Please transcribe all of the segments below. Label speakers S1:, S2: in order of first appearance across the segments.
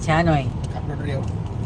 S1: ช้าหน่อย
S2: ขับรถเร็ว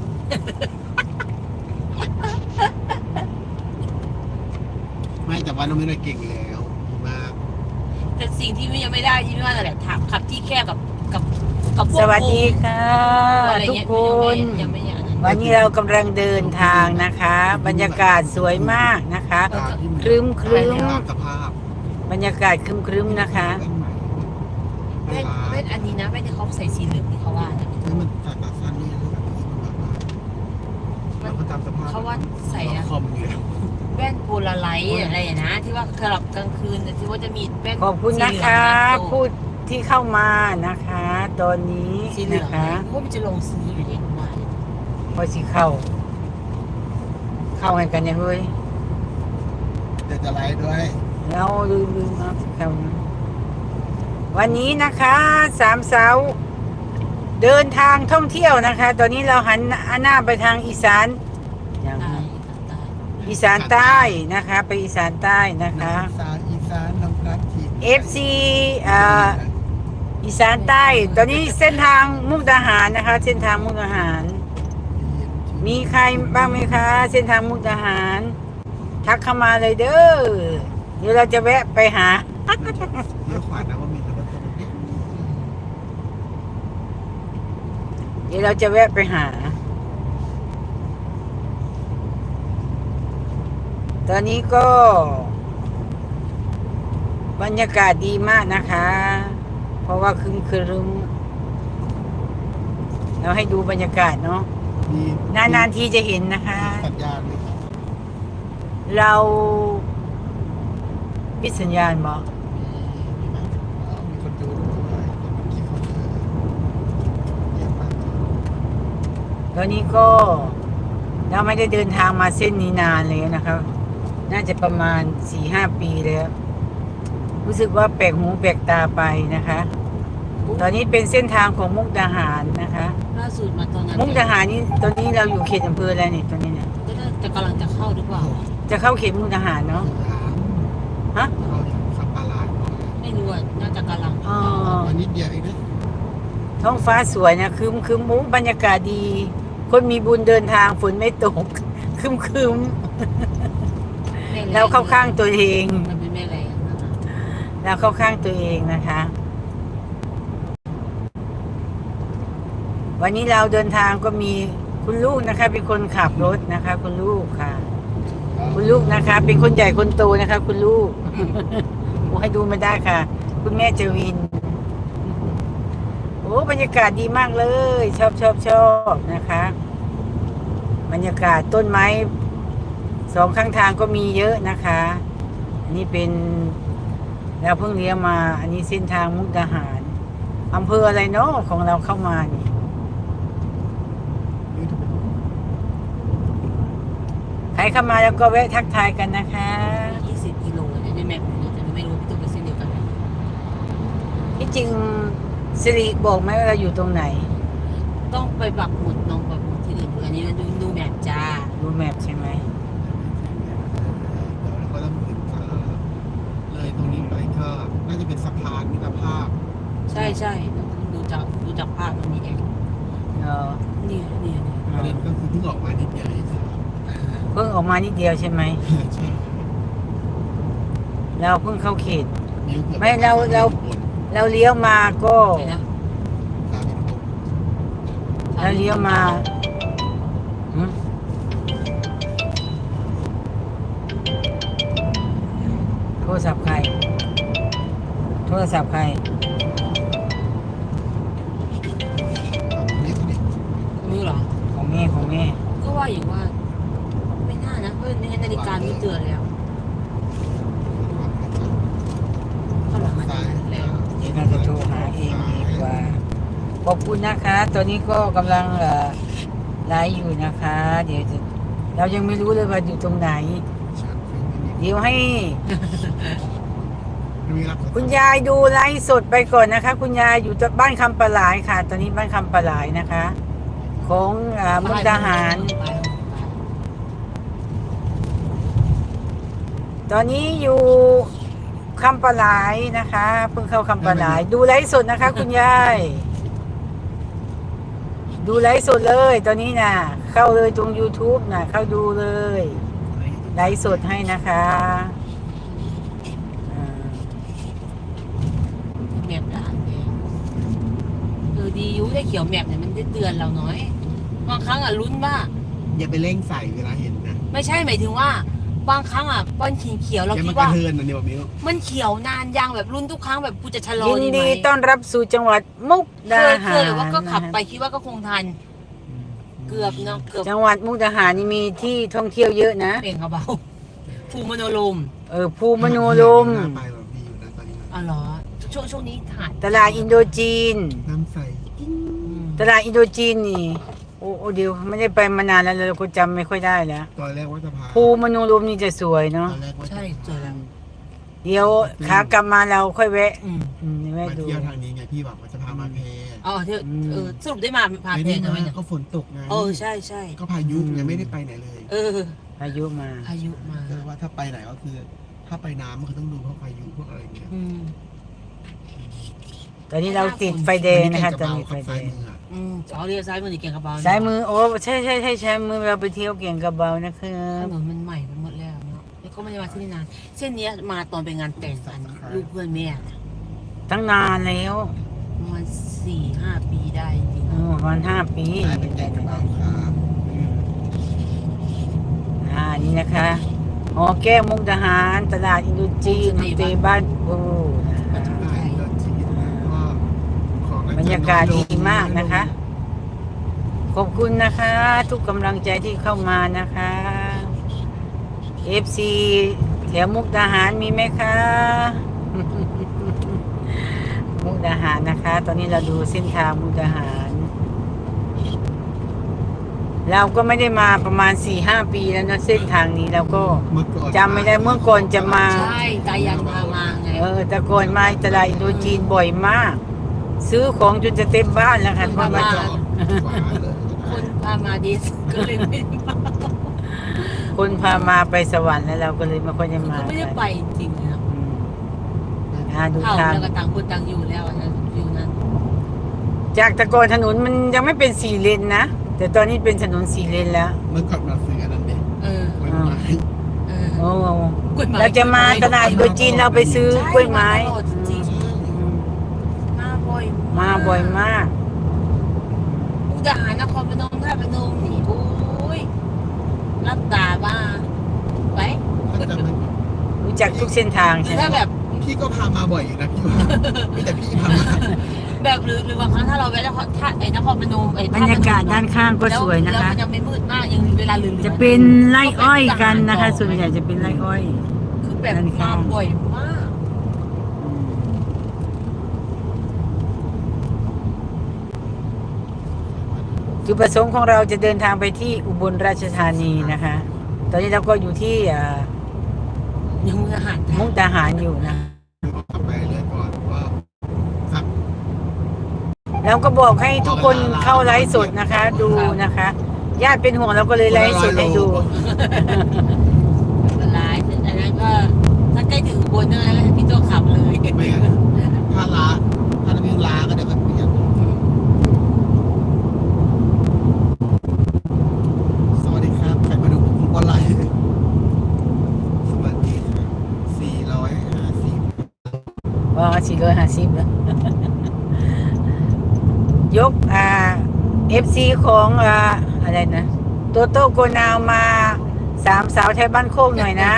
S2: ไม่แต่ว่าน้องไม่ได้เก่งแล้วมาก
S3: แต่สิ่งที่ยังไม่ได้ที่ไม่ว่าอะไรถามขับที่แคบกับพวก
S1: สวัสดีค่ะ
S3: อะไร
S1: ทุก
S3: เงี้ย
S1: คน
S3: ยังไม่อย่างนั้น
S1: วันนี้เรากำลังเดินทางนะคะ บรรยากาศสวยมากนะคะ ครึ้ม
S2: ตามสภาพ
S1: บรรยากาศครึ้มนะคะ
S3: เว้นอันนี้นะเว้นที่เขาใส่สีเหลืองที่เขาว่านะ
S2: มันตัดตัดสั้นนี่แบบนี้มันก็ตามสภาพ
S3: เขาว่าใส่อะ
S2: คอมอยู่แล้ว
S3: แว่นโพลาไลท์อะไรอย่างนะที่ว่าสำหรับกลางคืนที่ว่าจะมีแว่น
S1: ขอบคุณนะคะ พูดที่เข้ามานะคะ ตอนนี้
S3: สีเหลื
S1: นะ
S3: อง
S1: คะ
S3: พวกมันจะลงซื้ออยู่เด็กมา
S1: พอสิเข้าให้กันยังเว้ย
S2: เดี๋ยวจะไลฟ์ด้วย
S1: เราลืมเอาเข้านะวันนี้นะคะสามสาวเดินทางท่องเที่ยวนะคะ ตอนนี้เราหันหน้าไปทางอีสานอย่าง
S3: ใต้
S1: อีสานใต้นะคะ ไปอีสานใต้นะคะ
S2: อีสานน้ำรักที
S1: FC อีสานใต้ ตอนนี้เส้นทางมุกดาหารนะคะ เส้นทางมุกดาหาร มีใครบ้างไหมคะ เส้นทางมุกดาหาร ทักเข้ามาเลยเด้อเดี๋ยวเราจะแวะไปหา
S2: เลี้ยวขวานะว่ามีแต่รถตรงนี้
S1: เดี๋ยวเราจะแวะไปหา ตอนนี้ก็บรรยากาศดีมากนะคะ เพราะว่าครึ้มเราให้ดูบรรยากาศเนาะ
S2: มี
S1: นานๆทีจะเห็นนะคะ
S2: สัญญาณไหมครับ
S1: เราปิดสัญญาณบอก
S2: มีไหมมีคนดูด้วยมีกี่คนเยอะมาก
S1: ตอนนี้ก็เราไม่ได้เดินทางมาเส้นนี้นานเลยนะครับ น่าจะประมาณ 4-5 ปีแล้ว รู้สึกว่าแปลกหูแปลกตาไปนะคะ ตอนนี้เป็นเส้นทางของมุกดาหารนะคะ
S3: ล่าสุดมาตอนนั้น
S1: มุกดาหารนี่ตอนนี้เราอยู่เขตอำเภออะไรเนี่ยตอนนี้เนี่ย
S3: ก็น่าจะกำลังจะเข้าหรือเปล่า
S1: จะเข้าเขตมุกดาหารเนาะ ฮะ
S2: เราอยู่สัปปะหลาด
S3: ไม่รู้อ่ะน่าจะกำลัง
S1: อ๋อ
S2: วันนิดเดียวเองนะ
S1: ท้องฟ้าสวยนะคืมบรรยากาศดี คนมีบุญเดินทางฝนไม่ตก คืมเราเข้าข้างตัวเอง
S3: มันเป็นแม่แรง
S1: เราเข้าข้างตัวเองนะคะ วันนี้เราเดินทางก็มีคุณลูกนะคะ เป็นคนขับรถนะคะ คุณลูกค่ะ คุณลูกนะคะ เป็นคนใหญ่คนโตนะคะ คุณลูก โอ้ให้ดูไม่ได้ค่ะ คุณแม่เจวิน โอ้บรรยากาศดีมากเลย ชอบนะคะ บรรยากาศต้นไม้สองข้างทางก็มีเยอะนะคะ อันนี้เป็นเราเพิ่งเลี้ยวมา อันนี้เส้นทางมุกดาหารอำเภออะไรเนาะของเราเข้ามานี่ใครเข้ามาแล้วก็แวะทักทายกันนะคะ
S3: 20 กิโลเนี่ยในแมปเนี่ยแต่ไม่รู้พี่ตุ้มเป็นเส้นเดียวกันไหม
S1: ที่จริงสิริบอกไหมว่าเราอยู่ตรงไหน
S3: ต้องไปปักหมุดลองปักหมุดที่อื่นดูอันนี้ดูแมปจ้า
S1: ดูแมพใช่ไหม
S2: เดี๋ยวเราก็ต้องถึงเลยตรงนี้ไปก็น่าจะเป็นสะพานมิตรภาพ
S3: ใช่ดูจากภาพมันนี่เอง
S1: เออ
S3: เนี่ย
S2: ประเด็นก็คือเพิ่งออกมานิดเดียวเอง
S1: เพิ่งออกมานิดเดียวใช่ไหม
S2: ใช่
S1: เราเพิ่งเข้าเขต
S2: นิ้วเกือบ
S1: ไม่เราเลี้ยวมาก็
S3: ใช่นะ
S2: ตามไปตรง
S1: เราเลี้ยวมาหืมโทรศัพท์ใคร โทรศัพท์ใคร
S2: นี้ตรงนี้
S3: รู้เหรอ
S1: ของแม่
S3: ก็ว่าอยู่ว่า ไม่น่านะเพราะในนาฬิกามีเตือนแล้วข้างหลังมันแล้ว
S1: เดี๋ยวเราจะโทรหาเองดีกว่า ขอบคุณนะคะ ตอนนี้ก็กำลังไลฟ์อยู่นะคะ เดี๋ยวเรายังไม่รู้เลยว่าอยู่ตรงไหน เดี๋ยวให้ คุณยายดูไลฟ์สดไปก่อนนะคะ คุณยายอยู่บ้านคำปะหลายค่ะ ตอนนี้บ้านคำปะหลายนะคะ ของมุกดาหาร ตอนนี้อยู่คำปะหลายนะคะเพิ่งเข้าคำปะหลาย ดูไลฟ์สดนะคะ คุณยาย ดดูไลฟ์สดเลย ตอนนี้น่ะ เข้าเลยตรง YouTube น่ะ เข้าดูเลยไลฟ์สดให้นะคะอ่า
S3: แมปด่านเองดีอยุได้เขียวแมปเนี่ยมันได้เตือนเราน้อยบางครั้งลุ้นว่า
S2: อย่าไปเร่งใส่เวลาเห็นนะ
S3: ไม่ใช่หมายถึงว่าบางครั้งป้อนเขียวเรา
S2: อย่า
S3: คิ
S2: มั
S3: ด
S2: นกระ
S3: ว่า
S2: เทือนนะเนี่ยมิ้ว
S3: มันเขียวนานยังแบบรุ่นทุกครั้งแบบกูจะชะลอ
S1: ยิน
S3: ดีไหม
S1: ดีต้อนรับสู่จังหวัดมุก
S3: เค
S1: ดาย
S3: เค
S1: หาย ร
S3: หรือว่าก็ขับไป
S1: นะ
S3: คิดว่าก็คงทัน เกือบเนาะเกือบ
S1: จังหวัดมุกดาหารนี่มีที่ท่องเที่ยวเยอะนะ
S3: เปลี่ยนกระเบาภูมโนลม
S1: ภูมโนลม
S2: น่าไปแบบพี่อยู่นะตอนนี้
S3: อ๋อเหรอช่วงนี้ถ่าย
S1: ตลาดอินโดจีน
S2: น้ำใส
S1: ตลาดอินโดจีนนี่ โอ้เดี๋ยวไม่ได้ไปมานานแล้วเราก็จำไม่ค่อยได้แล้ว
S2: ตอนแรกว่าจะพา
S1: ภูมโนลมนี่จะสวยเนาะ
S2: ตอนแรกว่าจะ
S3: ใช่เจอแล้ว
S1: เดี๋ยวขากลับมาเราค่อยแวะ
S3: อืม
S1: แวะ
S2: มา
S1: ดู
S2: เที่ยวทางนี้ไงพี่บอกว่าจะพามาแพ
S3: อ๋อเที่ยวสรุปได้มาพา
S2: ไม่
S3: เพล
S2: ได้
S3: งกันไหม
S2: มา
S3: เนี่ย
S2: ก็ฝนตกไง
S3: ใช่ใช่
S2: ก็พายุไงไม่ได้ไปไหนเลย
S1: พายุมา
S3: พายุมา
S2: ก็ว่าถ้าไปไหนก็คือ ถ้าไปน้ำมันก็ต้องดูพวกพายุพวกอะไรเงี้ย
S1: ตอนนี้เราติดไฟแดงนะคะตอนนี้ไฟแดง
S3: อ๋อเรียกซ้ายมือหรือเก่งกระเบา
S1: ซ้ายมือโอ้ใช่ใช้มือเราไปเที่ยวเก่งกระเบานะครั
S3: ถ
S1: บ
S3: นนมันใหม่ไปหมดแล้วเนาะแล้วก็ไม่ได้มาที่นี่นานเส้นเนี้ยมาตอนไปงานแต่งกันลูกเพื่อนแม่
S1: ตั้งนานแล้ว
S3: ประมาณ4-5 ปีได้จริง
S1: ประมาณ5 ปี
S2: ได้เป็นแก่งกระเบาครับ
S1: นี่นะคะหอแก้วมุกดาหารตลาดอินโดจีนเตบ้านปู
S3: มันจะ
S2: ได้
S3: ใช่
S2: ก็ชีวิตนะก็ของ
S1: บรรยากาศดีมากนะคะ ขอบคุณนะคะ ทุกกำลังใจที่เข้ามานะคะ FC แถวมุกดาหารมีไหมคะ มุกดาหารนะคะ ตอนนี้เราดูเส้นทางมุกดาหาร เราก็ไม่ได้มาประมาณ 4-5 ปีแล้วนะเส้นทางนี้เราก็
S2: เมื่อก่อน
S1: จำไม่ได้เมื่อก่อนจะมา
S3: ใช่ตายันพามาไง
S1: แต่ก่อนมาตลาดอินโดจีนบ่อยมาก ซื้อของจนจะเต็มบ้านแล้วค่ะ
S3: คน
S1: เพราะ
S3: พา
S1: ว่า
S3: มา
S2: จอดขวาเลย
S3: คนพามาดีก็เลยไม่มา
S1: คนพามาไปสวรรค์แล้วเราก็เลยไม่ค่อยจะมา
S3: ก็ไม่ได้ไปจริงๆนะ
S1: ดู
S3: เท่า
S1: ทาง
S3: แล้วก็ต่างคนต่างอยู่แล้วนะอยู่นั้น
S1: จากแต่ก่อนถนนมันยังไม่เป็น4 เลนนะ แต่ตอนนี้เป็นถนน4 เลนแล้ว
S2: เมื่อก่อนมาซื้ออันนั้นเด็ก
S3: เออ
S2: ไม้ไม้
S3: เออ
S1: โอ้
S3: กฎหมาย
S1: เราจะมาตลาดอินโดจีนเราไปซื้อกล้วยไม้
S3: ใช่าตลอดจริงๆมาบ่อย
S1: มาบ่อยมาก
S3: มุกดาหารนครพนมท่าพนมนี่โอ้ยรับตาบ้าไป
S2: ถ้าจะมัน
S1: รู้จักทุกเส้นทาง
S3: หรื
S1: ใช่
S3: อ
S1: ไหม
S3: ถ้าแบบ
S2: พี่ก็พามาบ่อยอยู่นะพี่ว่ามีแต่พี่พามา
S3: แบบหรือบางครั้งถ้าเราแวะนครท่าไอ้นครพนมไอ้
S1: บรรยากาศด้านข้างก็สวยนะ
S3: แล้ว
S1: คะ
S3: มันยังไม่มืดมากยังเวลาลืม
S1: จะเป็นไร่อ้อยกันนะคะ ส่วนใหญ่จะเป็นไร่อ้อย
S3: คือแบบมาบ่อยมาก
S1: จุดประสงค์ของเราจะเดินทางไปที่อุบลราชธานีนะคะ ตอนนี้เราก็อยู่ที่
S3: ยังมุกดาหาร
S1: มุกดาหารอยู่นะ
S2: ไปเลยก่อนว่าครับ
S1: เราก็บอกให้ทุกคนเข้าไลฟ์สดนะคะ ดูนะคะ ญาติเป็นห่วงเราก็เลยไลฟ์สดให้ดู
S3: ไลฟ์อันนั้นก็ถ้าใกล้ถึงอุบลนั่นแหละพี่โตขับเลย
S2: ไม่งั้นถ้าลาถ้าเราลาก็เดี๋ยวก็เปลี่ยนสวัสดีครับใครมาดูผมก็ไลฟ์สวัสดีครับ450
S1: ว่า450แล้ว ยกFC ของอะไรนะโตโต้โกนาวมา3 สาวไทยบ้านโคกหน่อยนะ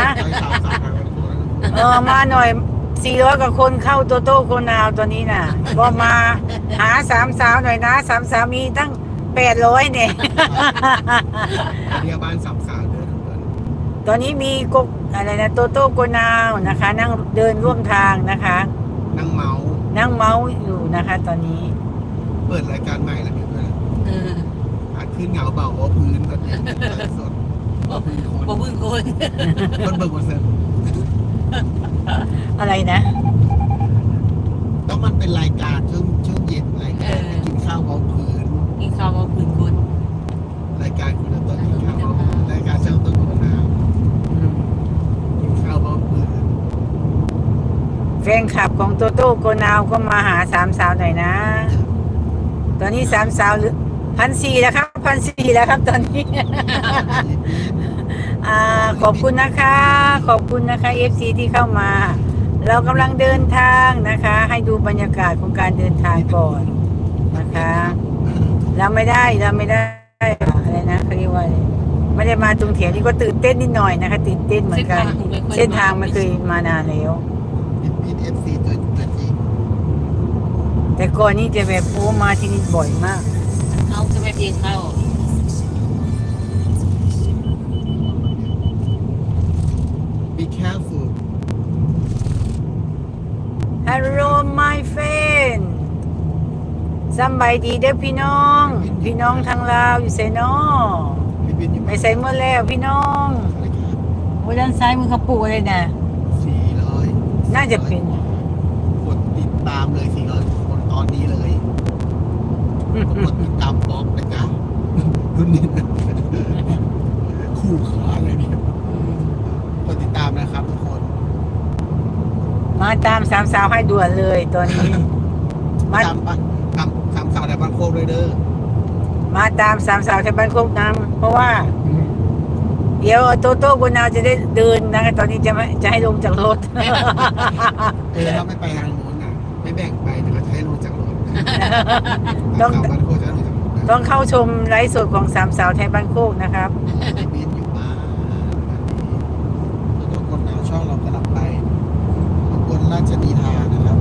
S1: มาหน่อย400 กว่าคนเข้าโตโต้โกนาวตัวนี้น่ะก็มาหา3 สาวหน่อยนะ3 สาวมีตั้ง800เนี่ย
S2: เรียกบ้านสามสาวเดินทุกคน
S1: ตอนนี้มีกกอะไรนะโตโต้โกนาวนะคะ นั่งเดินร่วมทางนะคะ
S2: นั่งเมาส์
S1: นั่งเมาส์อยู่นะคะ ตอนนี้
S2: เปิดรายการใหม่แล้วเพื่อน
S3: เออ
S2: อาจขึ้นเหงาเบาว่าพื้นตอนนี้ไลฟ์สดว่าพื้นคน
S3: บ่พึ่งคน
S2: คนเบิกคนเซ็น
S1: อะไรนะ
S2: ต้องมันเป็นรายการช่วงเย็นรายการกินข้าวเบาพื้น
S3: กินข้าวบ่พึ่งคน
S2: รายการคุณต้นกินข้าวเบาพื้นรายการช่างต้นคุณน้ำกินข้าวเบาพื้น
S1: แฟนคลับของโตโต้โกนาวก็มาหา3 สาวหน่อยนะ ตอนนี้3 สาว 1,400แล้วครับ1,400แล้วครับตอนนี้ ขอบคุณนะคะ ขอบคุณนะคะ FC ที่เข้ามา เรากำลังเดินทางนะคะ ให้ดูบรรยากาศของการเดินทางก่อนนะคะ เราไม่ได้อะไรนะเขาเรียกว่าอะไรไม่ได้มาตรงเถียงนี่ก็ตื่นเต้นนิดหน่อยนะคะตื่นเต้นเหมือนกัน เส้นทางไม่เคยมานานแล้ว
S2: พีเอฟซีตัวจริง
S1: แต่ก่อนนี้จะแบบโอ้มาที่นี่บ่อยมาก
S3: เอาจะไปเพียงเข้า
S2: be careful
S1: Hello my friend สำบายดีเด้อพี่น้อง พี่น้องทางลาวอยู่ไสนอ
S2: พี่บินอยู่
S1: ไปใส่เมื่อแล้วพี่น้องโอ้ด้านซ้ายมือเขาปลูกอะไรนะ
S2: 400
S1: น่าจะเป็น
S2: กดติดตามเลย400คนตอนนี้เลยกดติดตามบล็อกนะจ๊ะรุ่นนี้คู่ขาเลยเนี่ยกดติดตามนะครับทุกคน
S1: มาตามสามสาวให้ด่วนเลยตอนนี้ มา
S2: ตามปะตามสามสาวในบ้านโคกเลยเด้อ
S1: มาตามสามสาวที่บ้านโคกน้ำเพราะว่า เดี๋ยวโตโต้กุนาวจะได้เดินนะคะตอนนี้จะให้ลงจากรถ
S2: ถ้าไม่ไปทางนู้นนะไม่แบ่งไปแต่ก็จะให้ลงจากรถ
S1: ต้อง
S2: สามบ้านโคกจะลงจากรถนะ
S1: ต้องเข้าชมไลฟ์สดของสามสาวไทยบ้านโคกนะครับ
S2: บินอยู่บ้านทุกคนเอาช่องเรากำลังไปบนราชนีทานะครับ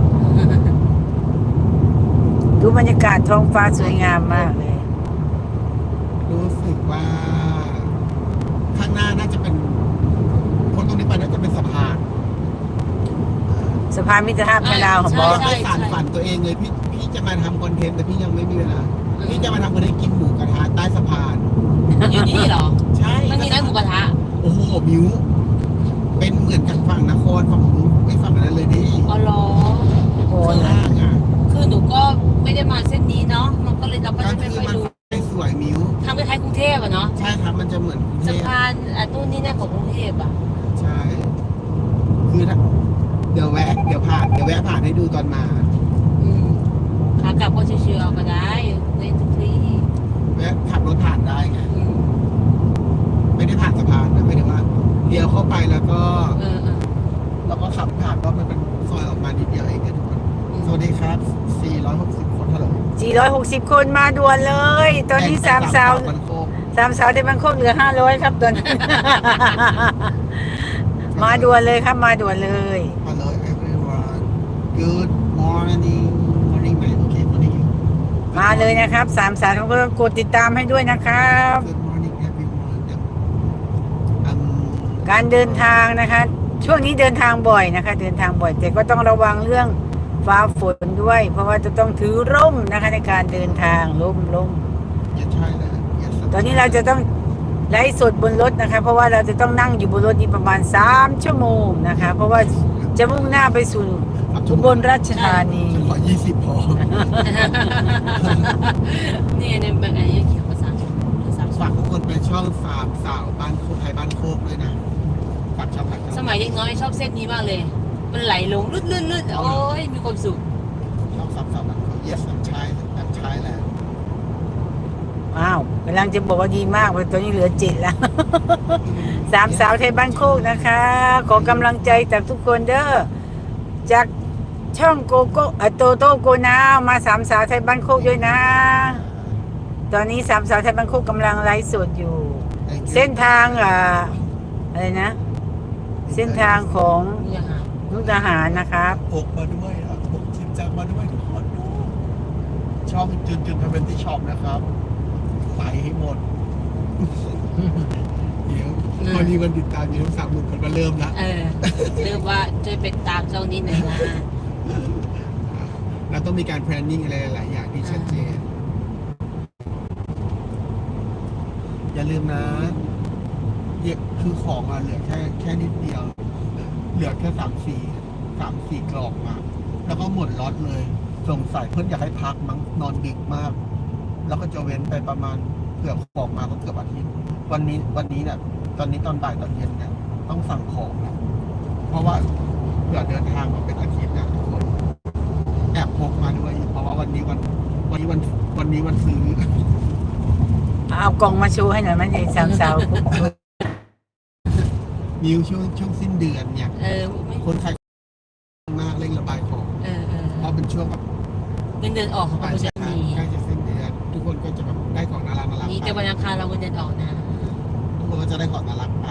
S1: ดูบรรยากาศท้องฟ้าสวยงามมากเลย
S2: รู้สึกว่าข้างหน้าน่าจะเป็นคนตรงนี้ไปน่าจะเป็นสะพาน
S1: สะพานมิตรภาพไทยลาวของบอส
S2: ไม่สานฝันตัวเองเลยพี่จะมาทำคอนเทนต์แต่พี่ยังไม่มีเวลาพี่จะมาทำคอนเทนต์กินหมูกระทะใต้สะพาน
S3: อยู่นี่เหรอ
S2: ใช่
S3: มันมีร้านหมูกระทะ
S2: โอ้โหมิวเป็นเหมือนกับฝั่งนครฝั่งนู้นไม่ฝั่งนั้นเลยดิ
S3: อ๋อเหรอ
S1: โอ้
S2: ข้างล่างอ่ะ
S3: คือหนูก็ไม่ได้มาเส้นนี้เนาะ มันก็เลยเราก็
S2: ก็
S3: จะไม่
S2: คือ
S3: ค่อย
S2: มัน
S3: รู้
S2: ไม่สวยมิว
S3: ทางคล้ายๆกรุงเทพอะเนาะ
S2: ใช่ครับมันจะเหมือนกรุงเท
S3: สะ
S2: พ
S3: พานนู่นนี่นั่นของกรุงเทพอะ
S2: ใช่ คือถ้าเดี๋ยวแวะผ่านให้ดูตอนมา
S3: อืมขากลับก็เชื่อๆก็ได้เล่นทุกที่
S2: แวะขับรถผ่านได้ไง
S3: อืม
S2: ไม่ได้ผ่านสะพานนะไม่ได้ว่าเลี้ยวเข้าไปแล้วก็
S3: เออ
S2: แล้วก็ขับผ่านก็มันเป็นซอยออกมานิดเดียวเองนะทุกคนสวัสดีครับ 460 คนเท่าไหร่
S1: 460 คนมาด่วนเลย ตอนนี้สามสาว
S2: มันโคก
S1: ไทยบ้านโคกเหลือ500ครับตอนนี้ มาด่วนเลยครับมาด่วนเลย
S2: Hello everyone Good morning morning ไหมโอเค morning
S1: มาเลยนะครับสามสาวก็กดติดตามให้ด้วยนะครับ
S2: Good morning everyone
S1: การเดินทางนะคะ ช่วงนี้เดินทางบ่อยนะคะ เดินทางบ่อย แต่ก็ต้องระวังเรื่องฟ้าฝนด้วย เพราะว่าจะต้องถือร่มนะคะ ในการเดินทางร่ม
S2: อย่าใช่เลย
S1: ตอนนี้เราจะต้องไลฟ์สดบนรถนะคะ เพราะว่าเราจะต้องนั่งอยู่บนรถนี้ประมาณ3 ชั่วโมงนะคะ เพราะว่าจะมุ่งหน้าไปสู่อุบลราชธานี
S2: ฉันขอ20พอ
S3: นี่ในแบบอันนี้เขียนภาษาภาษา
S2: ฝากทุกคนไปช่องสามสาวบ้านโคกไทยบ้านโคกด้วยนะฝากช่องฝากช่อง
S3: สมัยเด็กน้อยชอบเส้นนี้มากเลย มันไหลลงลื่นๆโอ้ยมีความสุข
S2: ช่องสามสาวบ้านโคก yes I'm Thailand
S1: อ้าวกำลังจะบอกว่าดีมากเพราะตอนนี้เหลือ7แล้ว สามสาวไทยบ้านโคกนะคะ ขอกำลังใจจากทุกคนเด้อจากช่องโกโก้โตโต้โกนาวมาสามสาวไทยบ้านโคกด้วยนะ ตอนนี้สามสาวไทยบ้านโคกกำลังไลฟ์สดอยู่ เส้นทางอะไรนะ เส้นทางของ
S3: นี่ค่ะ
S1: มุกดาหารนะครับ
S2: พกมาด้วยอ่ะพกชิมจังมาด้วยทุกคนดูช่องจุนทำเป็นที่ช็อปนะครับไปให้หมด เดี๋ยวพอดีวันติดตามอยู่ทั้ง30,000คนมาเริ่มละ
S3: เรียกว่าช่วยเป็นตามเจ้านี้หน่อยนะ
S2: เราต้องมีการ planning อะไรหลายอย่างที่ชัดเจน อย่าลืมนะคือของเหลือแค่นิดเดียว เหลือแค่3-4 กล่องมาแล้วก็หมดล็อตเลยสงสัยเพื่อนอยากให้พักมั้งนอนดึกมาก แล้วก็จะเว้นไปประมาณเกือบของมาก็เกือบอาทิตย์วันนี้เนี่ยตอนนี้ตอนบ่ายตอนเย็นเนี่ยต้องสั่งของนะเพราะว่าเผื่อเดินทางมาเป็นอาทิตย์นะทุกคนแอบพกมาด้วยเพราะว่าวันนี้วันซื้อ
S1: เอากล่องมาชูให้หน่อยมันไอ้สามสาว
S2: มิวช่วงสิ้นเดือนเนี่ย
S3: ไม่
S2: คนขายมากเร่งระบายของ เพราะเป็นช่วงแบบ
S3: เงินเดือนออกเขาก็
S2: ใกล้
S3: จะมี
S2: จะสิ้นเดือน ทุกคนก็จะแบบได้ของน่ารักไป
S3: นี่แต่วันอังคารเราเงินเดือนออกนะ
S2: ทุกคนก็จะได้ของน่ารักไป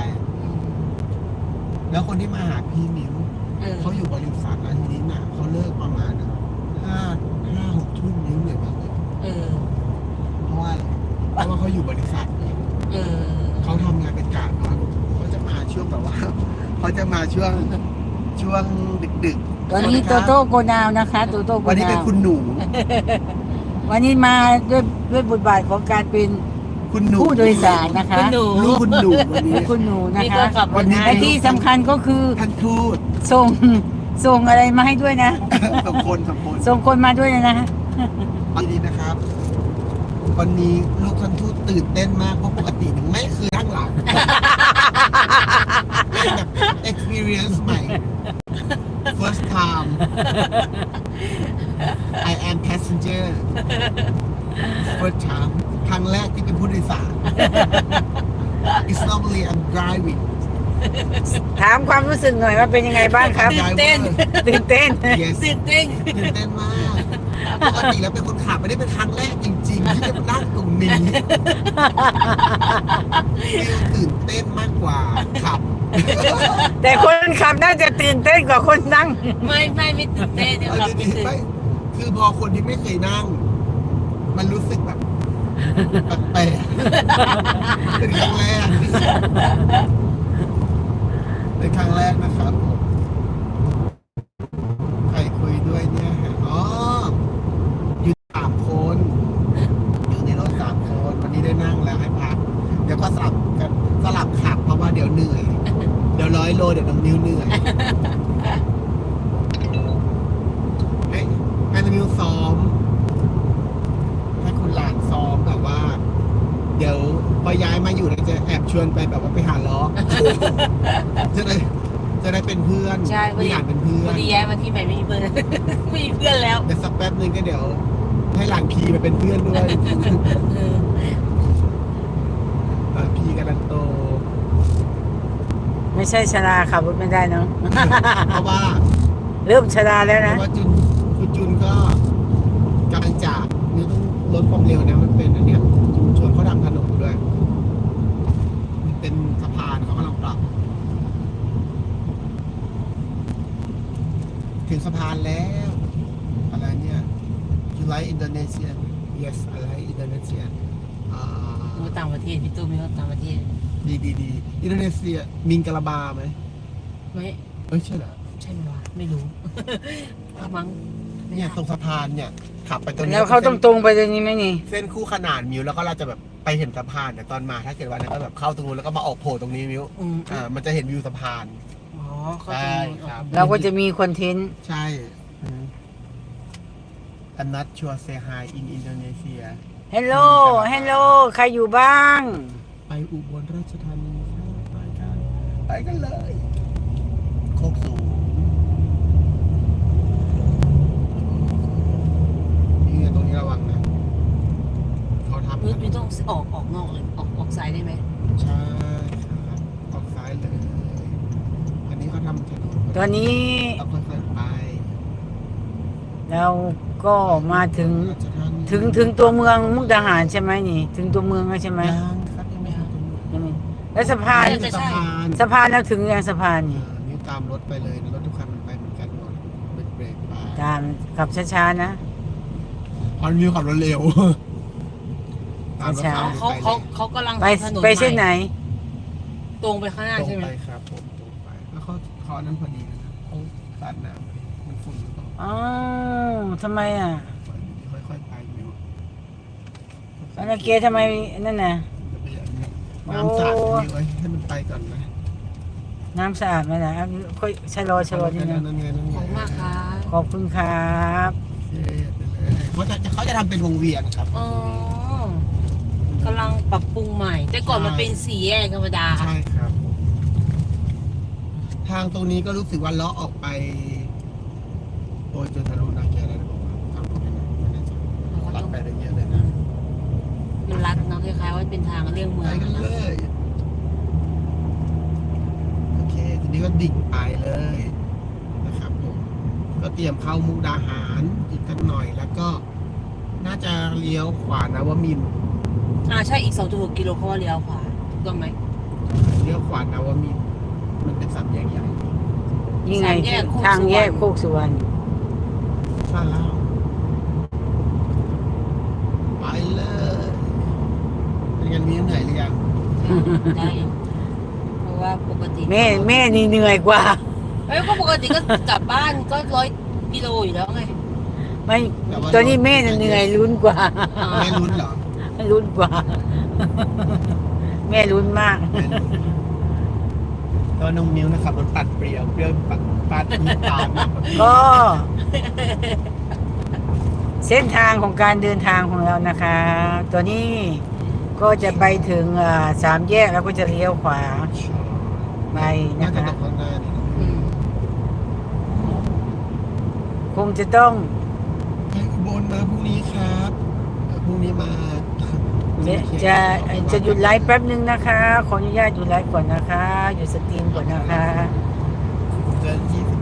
S2: แล้วคนที่มาหาพี่มิวเขาอยู่บริษัทแล้วทีนี้น่ะเขาเลิกประมาณ5-6 ทุ่มนิ้วเหนื่อยมากเลยเพราะว่าเขาอยู่บริษัทเนี่ยเขาทำงานเป็นกะเนาะเขาจะมาช่วงแบบว่า เขาจะมาช่วงดึกๆ
S1: วันนี้โตโต้โกนาวนะคะโตโต้โก
S2: วันนี้
S1: นา
S2: เป็น
S1: ว
S2: คุณหนู
S1: วันนี้มาด้วยบทบาทของการเป็น
S2: คุณหนู
S1: ผู้โดยสารนะคะ
S3: คุณหนู
S2: ลูกคุณหนูวันนี้
S1: คุณหนูนะ
S3: นี่
S1: คะ
S3: ก็ขับรถ
S2: วันนี้
S3: ให้
S1: และที่สำคัญก็คือ
S2: ท่านทูต
S1: ส่งอะไรมาให้ด้วยนะ
S2: สองคน
S1: ส่งคนมาด้วยนะ
S2: ดีๆนะครับ วันนี้ลูกท่านทูตตื่นเต้นมากเพราะปกติไม่เคยนั่งหลังเป็นแบบ experience ใหม่ first time I am passenger first time ครั้งแรกที่เป็นผู้โดยสาร It's normally I'm driving
S1: ถามความรู้สึกหน่อยว่าเป็นยังไงบ้างครับ
S3: ตื่นเต้น
S1: ตื่นเต้น
S2: Yes
S3: ตื่นเต้น
S2: ตื่นเต้นมากปกติแล้วเป็นคนขับไม่ได้เป็นครั้งแรกจริงๆ ที่จะมานั่งตรงนี้ตื่นเต้นมากกว่าขับ
S1: แต่คนขับน่าจะตื่นเต้นกว่าคนนั่ง
S3: ไม่ตื่นเต้นเดี๋ยว
S2: เอา
S3: เรา
S2: จ
S3: ไม่
S2: ริง
S3: ตื่
S2: ๆ
S3: น
S2: ไม่คือพอคนที่ไม่เคยนั่ง มันรู้สึกแบบแปลกๆเป็นครั้งแรกนะครับผมใครคุยด้วยเนี่ยอ๋ออยู่3 คนอยู่ในรถ3 คนวันนี้ได้นั่งแล้วให้พักเดี๋ยวก็สลับขับเพราะว่าเดี๋ยวเหนื่อยเดี๋ยว100 โลเดี๋ยวน้องนิ้วเหนื่อยให้น้องนิ้วซ้อมให้คุณหลานซ้อมแบบว่า เดี๋ยวพอย้ายมาอยู่เราจะแอบชวนไปแบบว่าไปหาล้อ จะได้เป็นเพื่อน
S3: ใช่
S2: มีหลานเป็นเพื่อ
S3: วัน นนี้ย้ายมาที่ใหม่ไม่มีเพื่อน ไม่มีเพื่อนแล้ว
S2: แต่สักแป๊บนึงก็เดี๋ยว ให้หลานพีมาเป็นเพื่อนด้วยหลานพีกำลังโต
S1: ไม่ใช่ชราขับรถไม่ได้เนาะ
S2: เพราะว่า
S1: เริ่มชราแล้ว
S2: เพ
S1: นะ
S2: ราะว่าคุณจุนก็กำลังจากนี่ต้องลดความเร็วนะมันเป็นอันเนี้ยชุมชนเขาทำถนนด้วยมันเป็นสะพานเขากำลังปรับ ถึงสะพานแล้วอะไรเนี่ย You like Indonesia Yes I like Indonesia
S3: มีต่างประเทศพี่ตู้มีต่างประเทศ
S2: ดีอินโดนีเซียมิงกะลาบาไหม
S3: ไม่
S2: เอ้ยใช่เหรอ
S3: ใช่ไหมวะไม่รู้ มั้ง
S2: เนี่ยตรงสะพานเนี่ยขับไปตรงนี้
S1: แล้วเขาตรงๆไปตรงนี้ไหมนี่
S2: เส้นคู่ขนานมิวแล้วก็เราจะแบบไปเห็นสะพานแต่ตอนมาถ้าเกิดว่าเนี่ยก็แบบเข้าตรงนู้นแล้วก็มาออกโผล่ตรงนี้มิวมันจะเห็นวิวสะพาน
S3: อ๋อเขา
S2: ใช่
S3: จะ
S2: ครับ
S1: เราก็จะมีคอนเทนต์
S2: ใช่ I'm not sure say hi in Indonesia
S1: เฮลโลใครอยู่บ้าง
S2: ไปอุบลราชธานีไปกันเลยโคกสูงนี่ไงตรงนี้ระวังนะเขาทำ
S3: ไม่ต้องออกนอกเลยออกซ้ายได้ไหม
S2: ใช่ครับออกซ้ายเลยอันนี้เขาทำถนน
S1: ตอนนี้
S2: เราค่อยๆไป
S1: เราก็มาถึง
S2: ราชธานี
S1: ถึงตัวเมืองมุกดาหารใช่ไหมนี่ ถึงตัวเมืองแล้วใช่ไหม
S2: ยังครับยังไม่ถึงตรงนี้
S1: ยังไม่แล้วสะพาน
S2: สะพาน
S1: สะพานเราถึงยังสะพานนี่
S2: นี่ตามรถไปเลยนะรถทุกคันมันไปเหมือนกันหมดเบรกไป
S1: ตามขับช้าๆนะ
S2: พอนมิวขับรถเร็วตามรถ
S1: ช้า
S2: ไฟ
S3: เขากำลัง
S1: ไป
S3: ทำถนน
S1: ไปเส้นไหน
S3: ตรงไปข้างหน้า
S2: ตรง
S3: ใช่ไหม
S2: ไปครับผมตรงไปแล้วเขาอันนั้นพอดีนะครับเขาตัดน้ำมันฝุ่นหรือเปล่า
S1: อ๋อทำไมอ่ะ
S2: ค่อยๆไปมิว
S1: อันนั้นเกทำไมนั่นน่ะ
S2: น้ำสาดนี่ไว้ให้มันไปก่อนนะ
S1: น้ำสะอาดไหมล่ะค่อยชะลอนิดนึง
S2: นั่นไง
S3: ขอบคุณมากครับ
S1: ขอบคุณครับ
S2: เขาจะทำเป็นวงเวียนครับ
S3: อ๋อกำลังปรับปรุงใหม่ แต่ก่อนมันเป็นสี่แยกธรรมดา
S2: ใช่ครับ ทางตรงนี้ก็รู้สึกว่าเลาะออกไปโอ้ยจนทะลุนาแกแล้วนะผมว่าทางตรงนี้นะไม่แน่ใจตัดไปได้เยอะเลยนะ
S3: มันไหลลัดเนาะคล้ายๆว่าเป็นทางเลี่ยงเมื
S2: ไป
S3: อง
S2: กัน
S3: นะ
S2: เลยโอเคทีนี้ก็ดิ่งไปเลยนะครับผมก็เตรียมเข้ามุกดาหารอีกกันหน่อยแล้วก็ น่าจะเลี้ยวขวานวมินทร์
S3: ใช่อีก 2.6 กิโลเขาว่าเลี้ยวขวาถูกต้องไหม
S2: เลี้ยวขวานวมินทร์มันเป็นสามแยกใหญ่
S1: นี่ไง
S3: สามแยกโคกสุวรรณ
S1: ทางแยกโคกสุวรรณ
S2: ใช่แล้วไปเลยเป็นไงมีเหนื่อยหรือยัง
S3: ได้อยู่เพราะว่าปกติ
S1: แม่นี่เหนื่อยกว่า
S3: ก็ปกติก็กลับบ้านก็100 กิโลอยู่แล้วไง
S1: ไม่ตอนนี้แม่น่ะเหนื่อยลุ้นกว่า
S2: ไม่ลุ้นเหรอ
S1: ลุ้นกว่า แม่ลุ้นมาก
S2: ก็น้องมิ้วนะครับรถปัดเปรี้ยวปัดน้ำตาลมาก
S1: ก็ เส้นทางของการเดินทางของเรานะคะ ตัวนี้ก็จะไปถึง3 แยกแล้วก็จะเลี้ยวขวาไป
S2: น่า
S1: นะ
S2: จะ
S1: คะ
S2: ตกข้างหน้านี่นะ
S3: อืม
S1: คงจะต้อง
S2: ไปอุบลมาพรุ่งนี้ครับพรุ่งนี้มาพรุ่งนี้โอเค
S1: จะหยุดไลฟ์แป๊บนึงนะคะ ขออนุญาตหยุดไลฟ์ก่อนนะคะหยุดสตรีมก่อนนะคะ
S2: เจอ20